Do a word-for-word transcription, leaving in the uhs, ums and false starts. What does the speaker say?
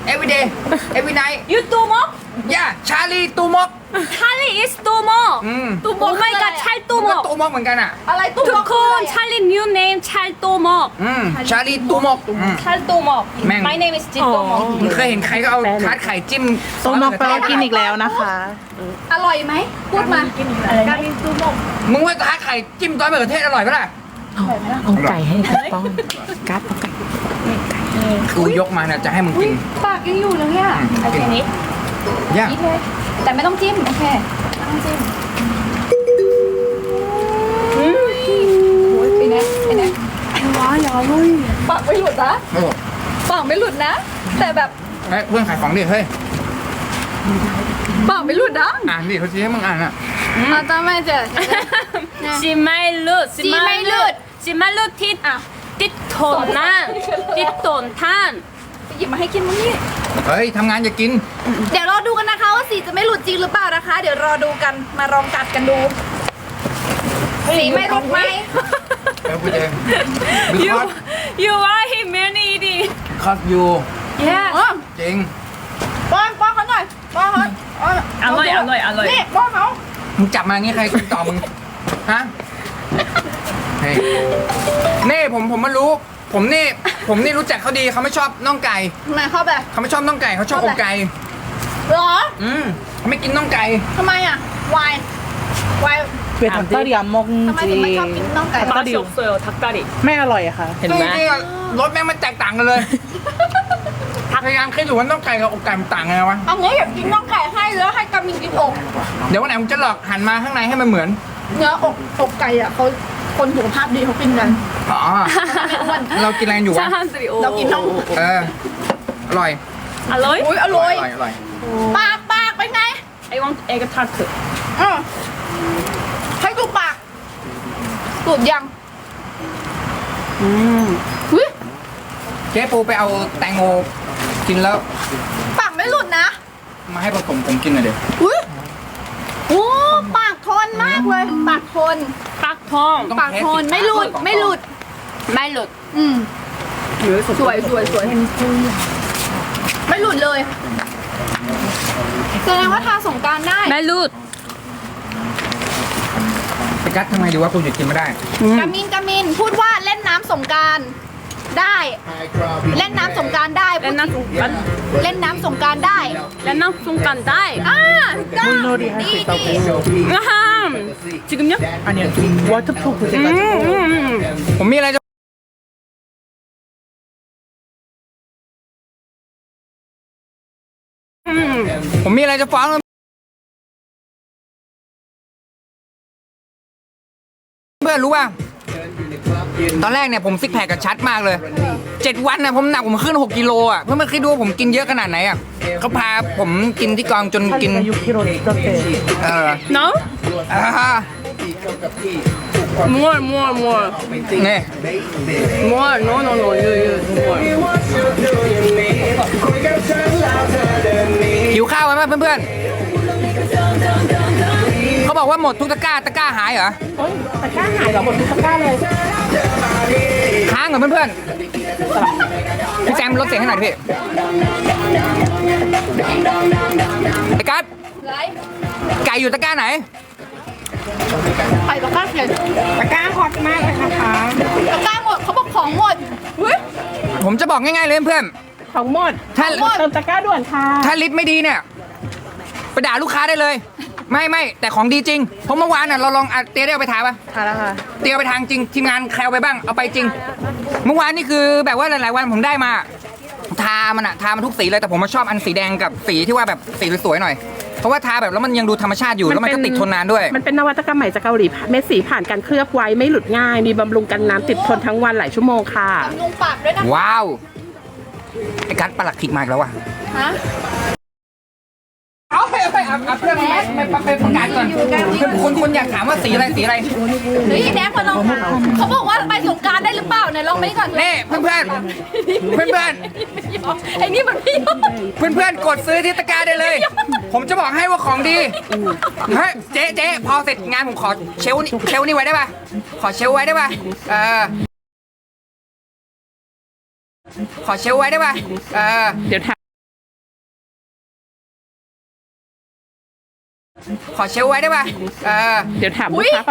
every day every night You too much? yeah ชาลีตูมก Charlie is too much. อืม Oh my god, Charlie too ก็ much. ตูมกเหมือนกันอ่ะอะไรตุ้มทุกคน Charlie new name Charlie too much. อืมชาลีตูมกอืม Charlie too much. แม่ง My name is Jin too much. มึงเคยเห็นใครก็เอาทาร์ตไข่จิ้มต้มมอกแปลว่ากินอีกแล้วนะคะอร่อยไหมพูดมาการินตูมกมึงว่าทาร์ตไข่จิ้มซอสมะเขือเทศอร่อยปะล่ะเอาไก่ให้ถูกต้องกัดเอาไก่คือยกมาเนี่ยจะให้มึงกินปากยังอยู่เลยเนี่ยโอเคนี้ย่านี่เลยแต่ไม่ต้องจิ้ม โอเคไม่ต้องจิ้มไปนะไปนะว้ายาลุยปากไม่หลุดนะโอ้ปากไม่หลุดนะ แต่แบบเฮ้ยเพื่อนขายของดิเฮ้ยปากไม่หลุดนะอ่านดิเขาชี้ให้มึงอ่านอ่ะอาจารย์ไม่เจอชิไม่ลุดชิไม่หลุดชิไม่ลุดทิศติดโถนนั่นติดโถนท่านไปหยิบมาให้กินมั้งนี่เฮ้ยทำงานอย่ากินเดี๋ยวรอดูกันนะคะว่าสีจะไม่หลุดจริงหรือเปล่านะคะ เดี๋ยวรอดูกันมาลองกัดกันดูสีไม่หลุดไหมเดี๋ยวกูเอง You because you are him many eating because you Yeah อ๋อจริงป้อนป้อนเขาหน่อยป้อนเขาอร่อยอร่อยอร่อยนี่ป้อนเขามึงจับมาอย่างงี้ใครกินต่อมึง ฮะ เฮ้ยนี่ผมผมมารู้ ผมนี่ผมนี่รู้จักเขาดีเขาไม่ชอบน่องไก่ทำไมเข้าแบบเขาไม่ชอบน่องไก่เขาชอบอกไก่หรออืมเขาไม่กินน่องไก่ทำไมอ่ะวายวายเวียดนามเรียมมกทำไมจถึริงไม่งชอบกินน่องไก่ 맛이 없어요 닭다리 ไม่อร่อยอะค่ะเห็นไหมจริงๆอะรสแม่งมันแตกต่างกันเลยพยายามคิดอยู่ว่าน่องไก่กับอกไก่มันต่างกันไงวะเอางี้อยากกินน่องไก่ให้แล้วให้กามินกินอกเดี๋ยววันไหนผมจะหลอกหันมาข้างในให้มันเหมือนเนื้ออกอกไก่อ่ะเขาคนสุขภาพดีเขากินกันอ๋อไม่อ้วนเรากินอะไรกันอยู่วะ 사람들이 เรากินน่องเออ อร่อยอร่อยอุ้ยอร่อยอร่อยปากปากเป็นไง I want egg tart อือให้ดูปากสูดยังอืมอุ้ยเจ๊ปูไปเอาแตงโมกินแล้วปากไม่หลุดนะมาให้ผสมผมกินหน่อยเดี๋ยวอุ้ยโอ้ปากทนมากเลย ปากทน 깍통 ปากทนไม่หลุดไม่หลุดไม่หลุดอืมสวยสวยสวยไม่หลุดเลยแสดงว่าทาสงกรารได้ไม่หลุดไปกัดทำไมดีว่ากูหยุดกินไม่ได้กามินกามินพูดว่าเล่นน้ำสงกรารได้ เล่นน้ำสงกรารได้ 렌나 송간 เล่นน้ำสงกรารได้ 렌나 송간 다이 อ่าได้มุนโนดีให้ดีสิเตาดีเผา 아함 지금요? อันเนี้ยวอเตอร์พรูฟเจ 음, กัน 음, 음. ผมมีอะไรจะผมมีอะไรจะฟ้องเพื่อนรู้ป่ะตอนแรกเนี่ยผมซิกแพคกับชัดมากเลยเจ็ดวันนะผมหนักผมขึ้นหกกิโลอ่ะเพื่อนมาคิดดูว่าผมกินเยอะขนาดไหนอ่ะเขาพาผมกินที่กองจนกินอายุกิโลสเตย์เออ No? อ่า More, more, more. เนี่ย More, no, no, no, you, you, more. หิวข้าวไหมเพื่อนๆเขาบอกว่าหมดทุกตะกร้าตะกร้าหายเหรอโอ้ยตะกร้าหายเหรอหมดทุกตะกร้าเลยค้างเหรอเพื่อนๆพี่แจมลดเสียงให้หน่อยดิพี่ไอ้กัสไรไก่อยู่ตะกร้าไหนไข่ตะกร้าเขียนตะกร้าฮอตมากเลยนะคะตะกร้าหมดเขาบอกของหมดเฮ้ยผมจะบอกง่ายๆเลยเพื่อนของหมดๆถ้าเติมตะกร้าด่วนค่ะถ้าลิตรไม่ดีเนี่ยไปด่าลูกค้าได้เลย ไม่ไม่แต่ของดีจริงเพราะเมื่อวานน่ะเราลองอ่ะเตียได้เอาไปทาปะทานแล้วค่ะเตียเอาไปทางจริงทีมงานใครเอาไปบ้างเอาไปจริง เมื่อวานนี่คือแบบว่าหลายๆวันผมได้มา ทามันอะทามันทุกสีเลยแต่ผมมาชอบอันสีแดงกับสีที่ว่าแบบสีสวยๆหน่อย เพราะว่าทาแบบแล้วมันยังดูธรรมชาติอยู่แล้วมันก็ติดทนนานด้วยมันเป็นนวัตกรรมใหม่จากเกาหลีเม็ดสีผ่านการเคลือบไว้ไม่หลุดง่าย มีบำรุงกันน้ำติดทนทั้งวันหลายชั่วโมงค่ะทำลุงปากด้วยนะว้าวไอ้กัดประหลักขิกมาอีกแล้วว่ะฮะเอาไปเอาไปเอาเอาเพื่อนไปไปไปไปประกาศก่อนคนคนอยากถามว่าสีอะไรสีอะไรเฮ้ยแดกมาลองเขาบอกว่าไปสงกรารได้หรือเปล่าเนี่ยลองไปก่อนนี่เพื่อนเพื่อนเพื่อนเพื่อนไอ้นี่มันพี่เพื่อนเพื่อนๆกดซื้อที่ตะกร้าได้เลย ผมจะบอกให้ว่าของดีเฮ้ยเจ๊เจ๊พอเสร็จงานผมขอเชลฟ์นี่เชลฟ์นี่ไว้ได้ป่ะขอเชลฟ์ไว้ได้ป่ะเออขอเชลฟ์ไว้ได้ป่ะเออเดี๋ยวถามขอเชลไว้ได้ป่ะเออเดี๋ยวถามลูกค้า